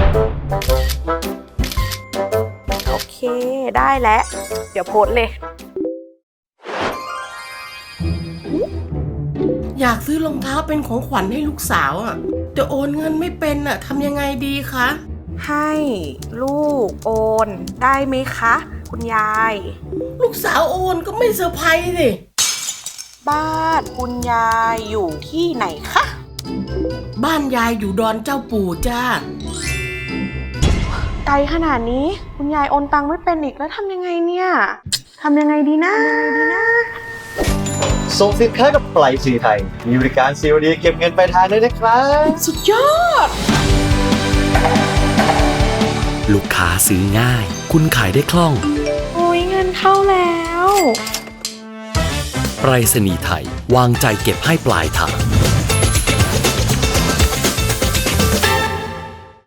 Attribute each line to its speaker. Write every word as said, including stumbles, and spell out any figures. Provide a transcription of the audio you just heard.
Speaker 1: โอเคได้แล้ว เดี๋ยวโพสต์เลย
Speaker 2: อยากซื้อรองเท้าเป็นของขวัญให้ลูกสาวอ่ะแต่โอนเงินไม่เป็นอ่ะทำยังไงดีคะ
Speaker 1: ให้ลูกโอนได้ไหมคะ คุณยาย
Speaker 2: ลูกสาวโอนก็ไม่เซอร์ไพรส์สิ
Speaker 1: บ้านคุณยายอยู่ที่ไหนคะ
Speaker 2: บ้านยายอยู่ดอนเจ้าปู่จ้า
Speaker 1: ไกลขนาดนี้คุณยายโอนตังไม่เป็นอีกแล้วทำยังไงเนี่ยทำยังไงดีนะทำยังไงดีนะ
Speaker 3: ส่งสินค้ากับไปรษณีย์ไทย มีบริการ ซี โอ ดี เก็บเงินปลายทางด้วยนะครับ
Speaker 2: สุดยอด
Speaker 4: ลูกค้าซื้อง่าย คุณขายได้คล่อง
Speaker 1: โอ้ยเงินเข้าแล้ว
Speaker 4: ไปรษณีย์ไทยวางใจเก็บให้ปลายทาง